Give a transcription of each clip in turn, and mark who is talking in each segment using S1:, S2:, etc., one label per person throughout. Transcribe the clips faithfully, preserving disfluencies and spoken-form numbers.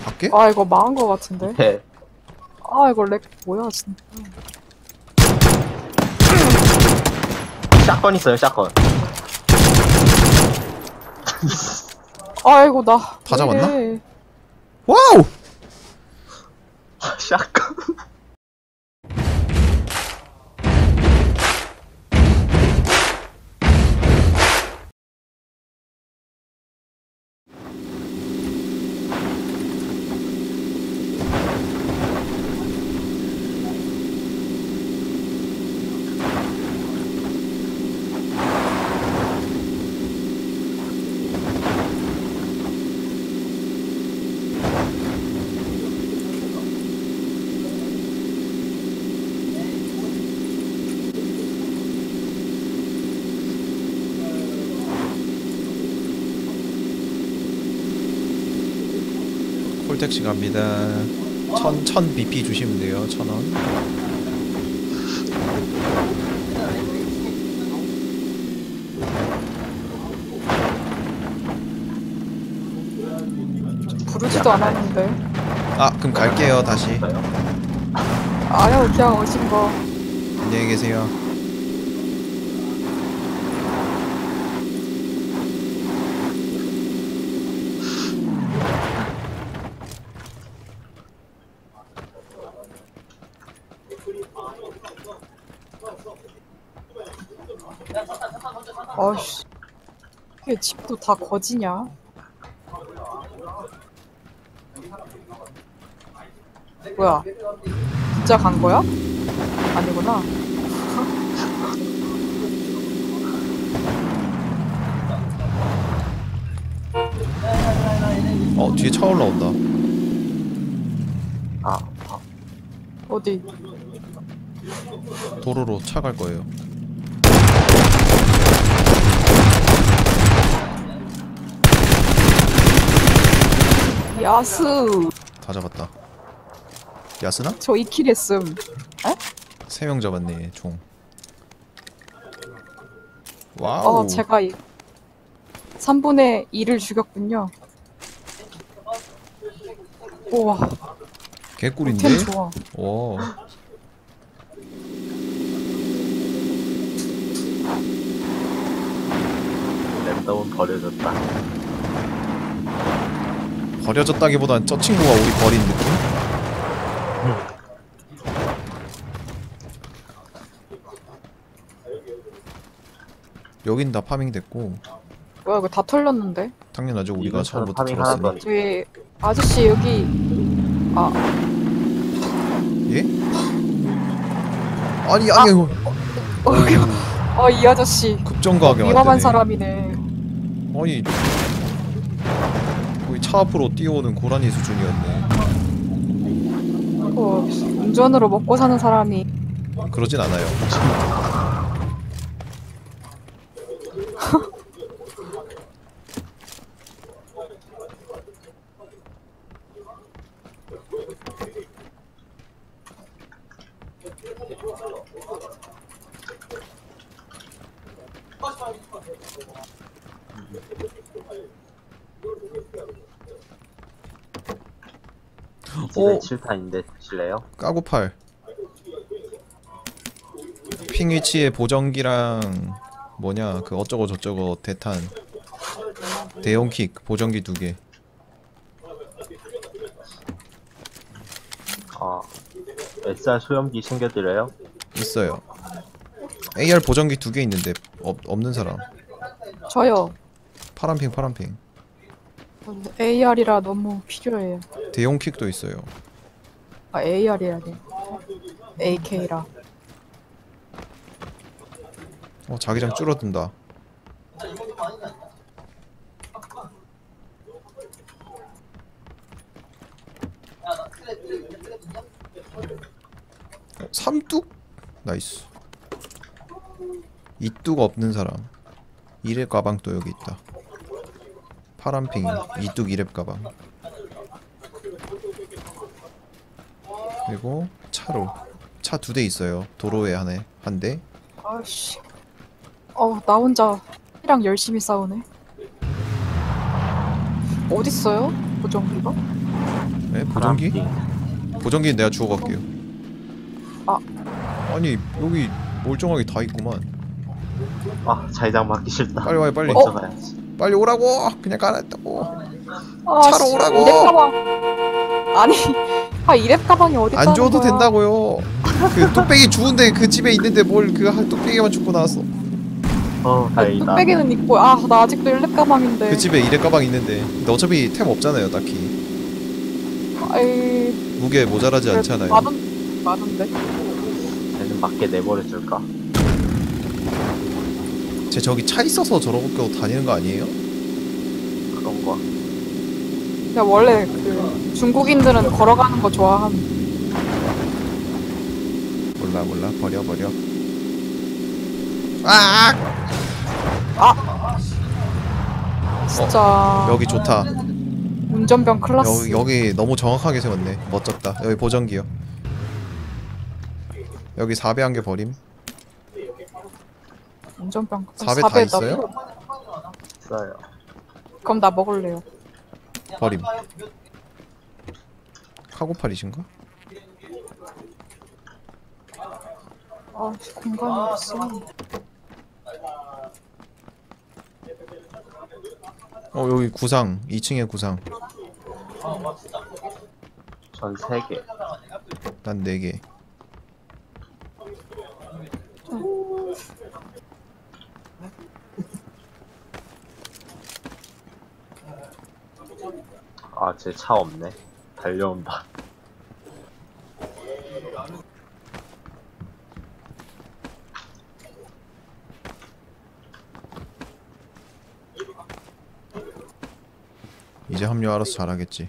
S1: 밖에?
S2: 아 이거 망한 거 같은데.
S3: 네.
S2: 아 이거 렉 뭐야 진짜.
S3: 샷건 있어요, 샷건.
S2: 아이고 나.
S1: 다 잡았나?
S2: 왜 이래.
S1: 와우!
S3: 샷건.
S1: 콜택시 갑니다. 천, 천 비피 주시면 돼요. 천 원.
S2: 부르지도 않았는데.
S1: 아, 그럼 갈게요, 다시.
S2: 아유 그냥 오신 거.
S1: 안녕히 계세요.
S2: 어이씨. 이게 집도 다 거지냐? 뭐야? 진짜 간 거야? 아니구나.
S1: 어, 뒤에 차 올라온다.
S3: 아, 아.
S2: 어디?
S1: 도로로 차 갈 거예요.
S2: 야스.
S1: 다 잡았다. 야스나?
S2: 저 이 킬 했음. 에?
S1: 세 명 잡았네, 총. 와우.
S2: 어 제가 이 삼분의 이를 죽였군요. 우와.
S1: 개꿀인데?
S2: 템 좋아.
S1: 와.
S3: 랜덤은 버려졌다.
S1: 버려졌다기보단 저 친구가 우리 버린 느낌? 여긴 다 파밍 됐고.
S2: 뭐야 이거 다 털렸는데?
S1: 당연하죠, 우리가
S3: 이분처럼
S1: 처음부터
S3: 파밍 하나도
S1: 들었으니.
S3: 안
S2: 저기 아저씨 여기 아
S1: 예? 아니 아니 이거
S2: 어 이 아저씨
S1: 급정거하게
S2: 위험한
S1: 만드네.
S2: 사람이네.
S1: 아니 거의 차 앞으로 뛰어오는 고라니 수준이었네.
S2: 어, 운전으로 먹고 사는 사람이
S1: 그러진 않아요.
S3: 집에 칠 탄인데 드실래요?
S1: 까고팔 핑 위치에 보정기랑 뭐냐 그 어쩌고 저쩌고 대탄 대용킥 보정기 두개.
S3: 아, 에스알 소염기 챙겨드려요?
S1: 있어요. 에이알 보정기 두 개 있는데 없, 없는 사람.
S2: 저요.
S1: 파란핑 파란핑.
S2: 에이알이라 너무 필요해요.
S1: 대용킥도 있어요.
S2: 아 에이알이라니. 에이케이라.
S1: 어 자기장 줄어든다. 어, 삼뚝? 나이스. 이뚝 없는 사람. 이랩 가방 또 여기 있다. 파란핑 이뚝 이랩 가방. 그리고 차로 차 두 대 있어요. 도로에 하나 한 대.
S2: 아씨. 어 나 혼자 이랑 열심히 싸우네. 어딨어요? 보정기가?
S1: 네? 보정기?
S3: 파란핑.
S1: 보정기는 내가 주워 갈게요.
S2: 아.
S1: 아니 여기 멀쩡하게 다 있구만.
S3: 아, 자기장 맞기 싫다.
S1: 빨리 와요 빨리.
S3: 먼저 가야지.
S1: 빨리 오라고. 그냥 가라했다고.
S2: 아,
S1: 차로
S2: 씨,
S1: 오라고!
S2: 이랩 가방. 아니, 아 이랩 가방이 어디 있다는
S1: 안 줘도
S2: 거야.
S1: 된다고요. 그 뚝배기 주운데 그 집에 있는데 뭘 그 뚝배기만 줍고 나왔어.
S3: 어, 다행이다.
S2: 뚝배기는 있고, 아 나 아직도 일렙 가방인데.
S1: 그 집에 이래 가방 있는데. 근데 어차피 템 없잖아요 딱히.
S2: 아이,
S1: 무게 모자라지
S2: 그래,
S1: 않잖아요.
S2: 많은 많은데.
S3: 쟤는 밖에 내버려줄까?
S1: 쟤 저기 차 있어서 저러고 다니는 거 아니에요?
S3: 그런 거.
S2: 야 원래 그 중국인들은 걸어가는 거 좋아함.
S1: 몰라 몰라 버려 버려. 아!
S2: 진짜.
S1: 어, 여기 좋다.
S2: 운전병 클라스.
S1: 여기 여기 너무 정확하게 세웠네. 멋졌다. 여기 보정기요. 여기 사배 한 개 버림.
S2: 운전병.
S1: 사배 다
S2: 사배 나
S1: 있어요?
S2: 필요-
S3: 있어요.
S2: 그럼 나 먹을래요.
S1: 버림. 카고팔이신가?
S2: 아 공간이 없어.
S1: 어 여기 구상. 이 층에 구상.
S3: 전 세 개.
S1: 난 네 개.
S3: 아, 쟤 차 없네. 달려온다.
S1: 이제 합류 알아서 잘하겠지.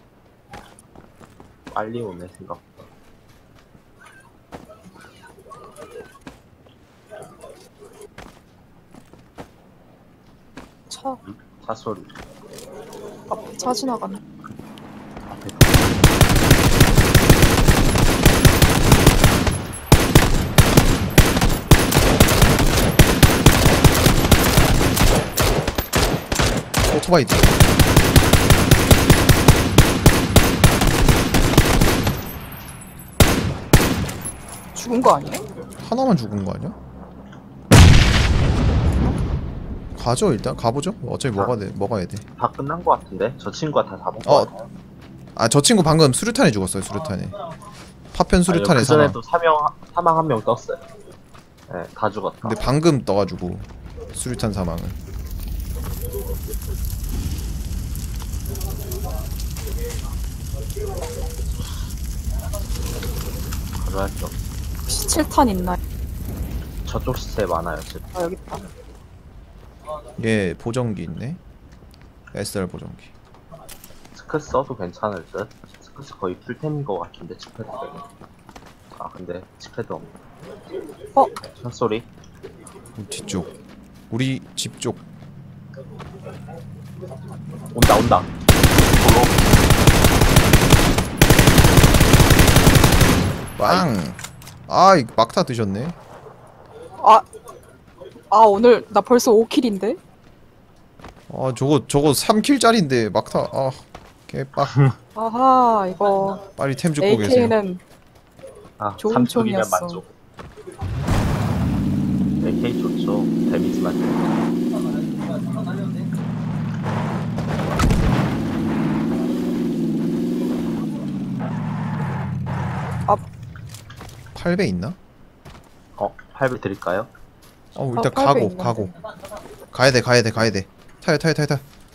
S3: 빨리 오네, 생각보다.
S2: 차
S3: 차 소리.
S2: 앞에 차 지나가네.
S1: 오토바이 뒤.
S2: 죽은 거 아니에요?
S1: 하나만 죽은 거 아니야? 가죠 일단 가보죠. 어차피 먹어야 돼. 먹어야 돼.
S3: 다 끝난 거 같은데? 저 친구가 다 잡은 거
S1: 어.
S3: 같아요.
S1: 아 저 친구 방금 수류탄에 죽었어요. 수류탄에. 파편 수류탄에
S3: 그
S1: 사망.
S3: 전에도 사명, 사망 한 명 떴어요. 네, 다 죽었다.
S1: 근데 방금 떠가지고 수류탄 사망은.
S3: 그래야죠.
S2: 혹시 칠탄 있나요?
S3: 저쪽 시체 많아요, 지금.
S2: 아 여기 있다.
S1: 얘 보정기 있네. 에스알 보정기.
S3: 스크스 써도 괜찮을 듯? 스크스 거의 풀템인 거 같은데, 치패드 때문에. 아, 근데 치패드 없네.
S2: 어?
S3: 차 소리?
S1: 뒤쪽. 우리 집 쪽.
S3: 온다, 온다.
S1: 빵. 아이 막타 드셨네.
S2: 아, 아 오늘 나 벌써 오 킬인데?
S1: 아 저거 저거 삼 킬짜리인데 막타. 아 개빡.
S2: 아하 이거
S1: 빨리 템 줍고 계세요.
S2: 에이케이는
S3: 아,
S2: 좋은
S3: 삼 킬이면
S2: 총이었어.
S3: 만족. 에이케이 좋죠. 데미지만 돼.
S1: 팔 배 있나?
S3: 어, 팔 배 드릴까요?
S1: 어 일단
S2: 어, 팔 배
S1: 가고
S2: 있는데.
S1: 가고. 가야 돼 가야 돼 가야 돼. 타요 타요 타요 타.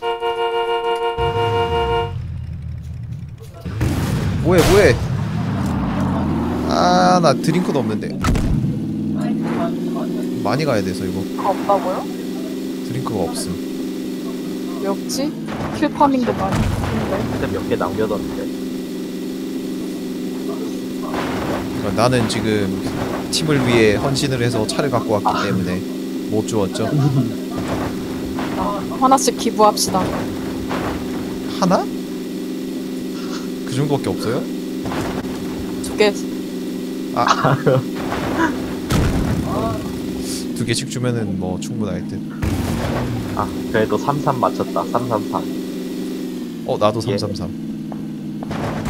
S1: 뭐해 뭐해. 아 나 드링크도 없는데. 많이 가야 돼서 이거.
S2: 아, 없다고요?
S1: 드링크가 없음.
S2: 왜 없지? 킬 파밍도 많이 했는데.
S3: 그때 몇 개 남겨뒀는데.
S1: 그러니까 나는 지금 팀을 위해 헌신을 해서 차를 갖고 왔기 때문에 못 주었죠.
S2: 아, 하나씩 기부합시다.
S1: 하나? 그 정도밖에 없어요?
S2: 두 개.
S1: 아. 두 개씩 주면은 뭐 충분할 듯.
S3: 아, 그래도 삼삼 맞췄다. 삼삼삼.
S1: 어 나도
S3: 예.
S1: 삼삼삼.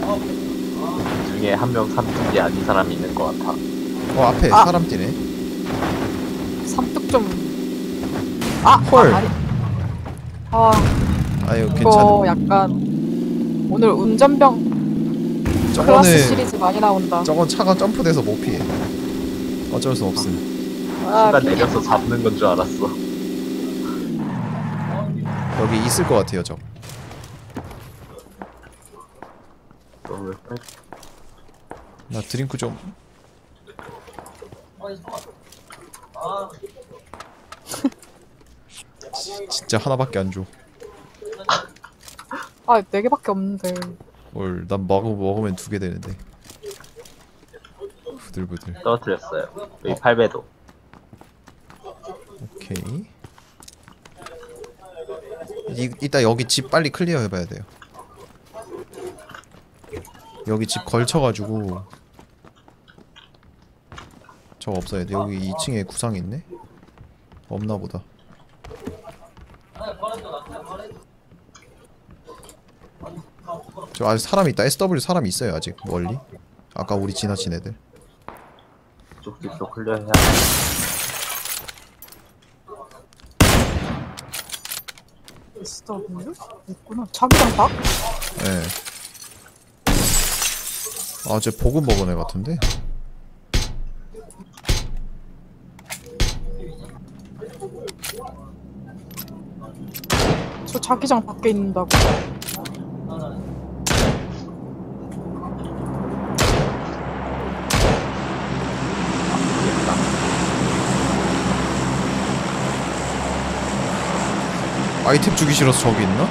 S3: 중에 한 명 삼뚝이 아닌 사람이 있는 것 같아.
S1: 어 앞에
S2: 아.
S1: 사람 뛰네.
S2: 삼뚝 좀. 아,
S1: 헐.
S2: 아, 아니. 아,
S1: 아유
S2: 이거
S1: 괜찮음.
S2: 약간 오늘 운전병 클래스
S1: 저거는
S2: 시리즈 많이 나온다.
S1: 저건 차가 점프돼서 못 피해. 어쩔 수 없음.
S2: 아,
S3: 순간
S2: 핑계.
S3: 내려서 잡는 건 줄 알았어.
S1: 여기 있을 것 같아요 저.
S3: 너왜
S1: 나 드링크 좀. 지- 진짜 하나밖에 안 줘.
S2: 아, 네 개밖에 없는데.
S1: 뭘 난 먹어 먹으면 두 개 되는데. 부들부들.
S3: 떨어뜨렸어요. 여기
S1: 어.
S3: 팔 배도.
S1: 오케이. 이, 이따 여기 집 빨리 클리어 해봐야 돼요. 여기 집 걸쳐가지고 저거 없어야 돼. 여기 이 층에 구상이 있네? 없나보다. 저 아직 사람이 있다. 에스더블유 사람이 있어요 아직 멀리. 아까 우리 지나친 애들.
S3: 쪽집도 클리어해야 돼.
S2: 에스더블유? 있구나. 자기장 박?
S1: 예. 아, 쟤 보급 먹은 애 같은데?
S2: 저 자기장 밖에 있는다고.
S1: 아이템 주기 싫어서 저기 있나?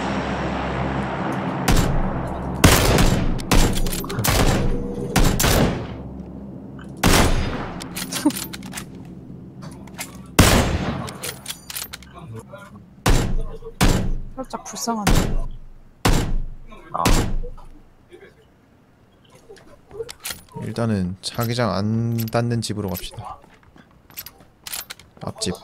S2: 살짝 불쌍하네.
S3: 아,
S1: 일단은 자기장 안 닿는 집으로 갑시다. 앞집.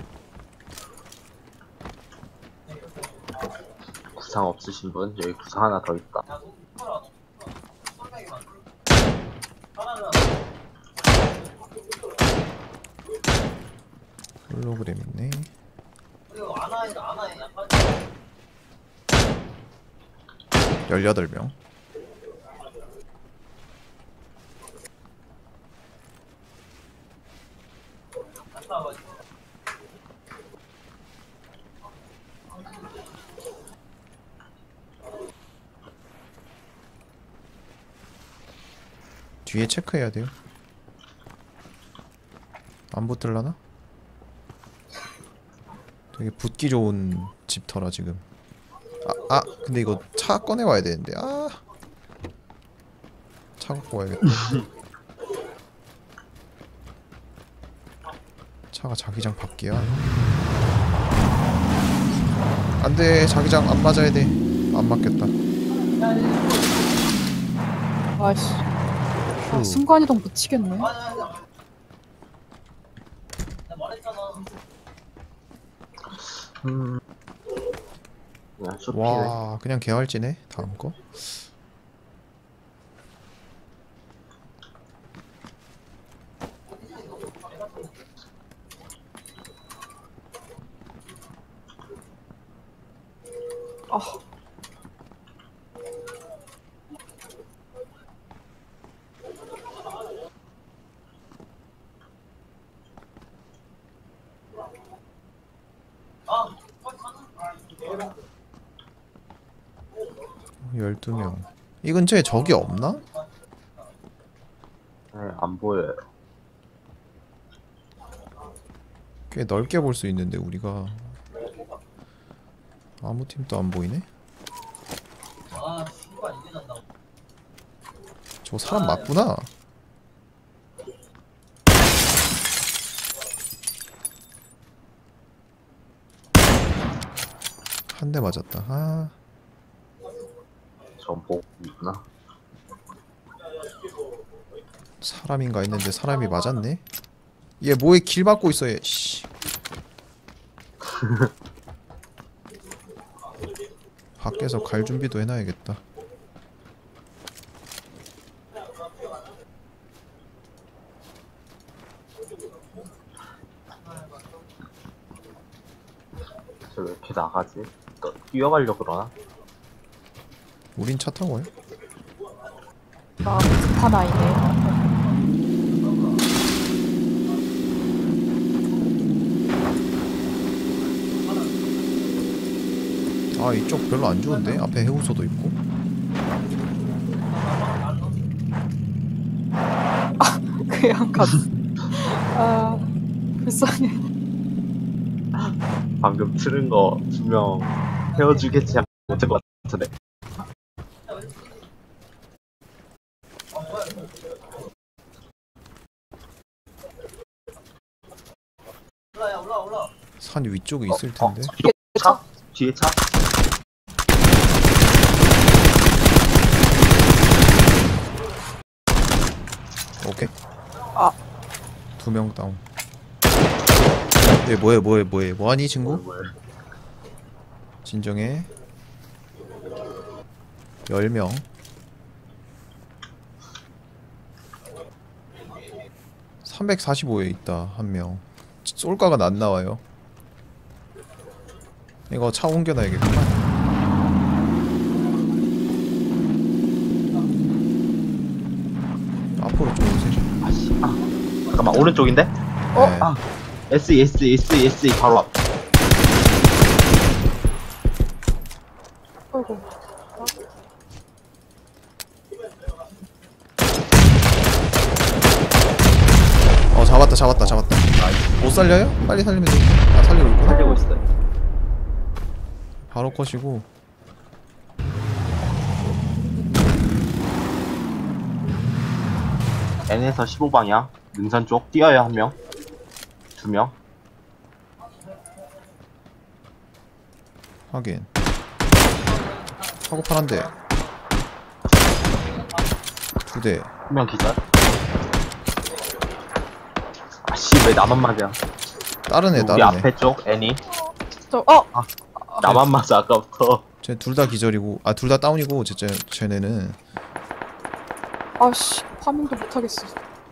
S3: 구상 없으신 분? 여기 구상 하나 더 있다.
S1: 홀로그램 있네. 열여덟 명. 뒤에 체크해야 돼요. 안 붙을라나? 되게 붙기 좋은 집터라 지금. 아, 아, 근데 이거 차 꺼내 와야 되는데. 아, 차 갖고 와야겠다. 차가 자기장 밖이야. 안돼, 자기장 안 맞아야 돼. 안 맞겠다.
S2: 아이씨. 아,
S1: 휴.
S2: 순간이동 미치겠네.
S3: 음. 그냥 쇼핑을.
S1: 와, 그냥 개활지네. 다음 거.
S2: 아,
S1: 열두 명. 이 근처에 적이 없나?
S3: 네, 안 보여요.
S1: 꽤 넓게 볼 수 있는데 우리가 아무 팀도 안 보이네? 저 사람 맞구나. 한 대 맞았다. 아,
S3: 전 보고 있구나.
S1: 사람인가 했는데 사람이 맞았네. 얘 뭐에 길 막고 있어 얘. 씨. 밖에서 갈 준비도 해놔야겠다.
S3: 나가지? 또 뛰어가려고 그러나?
S1: 우린 차 타고 와요.
S2: 나 급한 아이네.
S1: 아 이쪽 별로 안 좋은데? 앞에 해우소도 있고.
S2: 그냥 갔어. 아, 불쌍해.
S3: 방금 틀은 거 분명 헤어주겠지 하고 못할 것 같은데.
S1: 산 위쪽에 있을 텐데.
S3: 어, 뒤에 차? 뒤에 차?
S1: 오케이.
S2: 아.
S1: 두 명 다운. 얘 뭐해 뭐해 뭐해 뭐하니 친구?
S3: 뭘, 뭘.
S1: 진정해. 열 명. 삼백사십오에 있다 한 명. 쏠가가 안 나와요. 이거 차 옮겨놔야겠구만. 앞으로 좀 오세요.
S3: 아씨, 아. 잠깐만, 오른쪽인데?
S2: 어?
S1: 네.
S3: 아. S, S, S, S, 바로 앞.
S2: 아이고.
S1: 어 잡았다 잡았다 잡았다. 못 살려요? 빨리 살리면 돼. 아 살리고 있구나.
S3: 살리고 있어요.
S1: 바로 컷이고.
S3: N에서 십오 방향. 능선 쪽. 뛰어요, 한 명. 두 명.
S1: 확인. 사고팔 한 대. 두 대.
S3: 한 명 기절. 아씨, 왜 나만 맞아?
S1: 다른 애
S3: 우리
S1: 다른 애.
S3: 앞에 쪽, N이.
S2: 저, 어!
S3: 나만 맞아, 아까부터.
S1: 쟤 둘 다 기절이고 아 둘 다 다운이고 쟤, 쟤 쟤네는
S2: 아씨, 파밍도 못하겠어.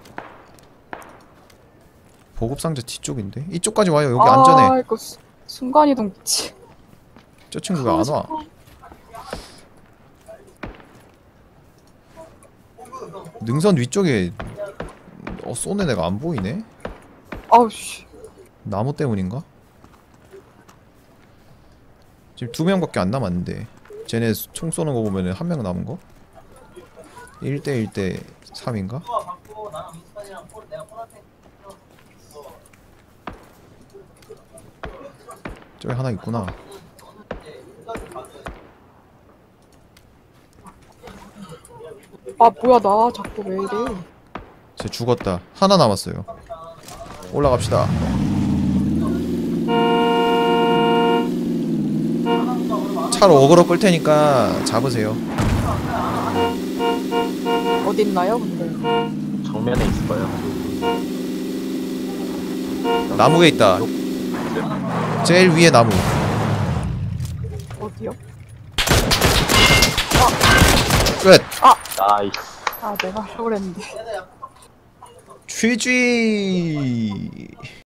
S1: 보급상자 뒤쪽인데 이쪽까지 와요. 여기 안전해.
S2: 아, 이거 수- 순간이동 미치.
S1: 저 친구가 안 와. 능선 위쪽에 어 쏘는 애가 안 보이네.
S2: 아우, 씨.
S1: 나무 때문인가? 지금 두 명밖에 안 남았는데 쟤네 총 쏘는 거 보면은 한 명 남은 거? 일 대 일 대 삼인가? 저기 하나 있구나.
S2: 아, 뭐야, 나 자꾸 왜 이래.
S1: 쟤 죽었다. 하나 남았어요. 올라갑시다. 차로 어그로 끌 테니까 잡으세요.
S2: 어딨나요, 근데?
S3: 정면에 있을 거예요.
S1: 나무에 있다. 제일 위에 나무.
S2: 어디요?
S1: 끝.
S3: 나이스.
S2: 아, 내가 하려고 그랬는데.
S1: 취지.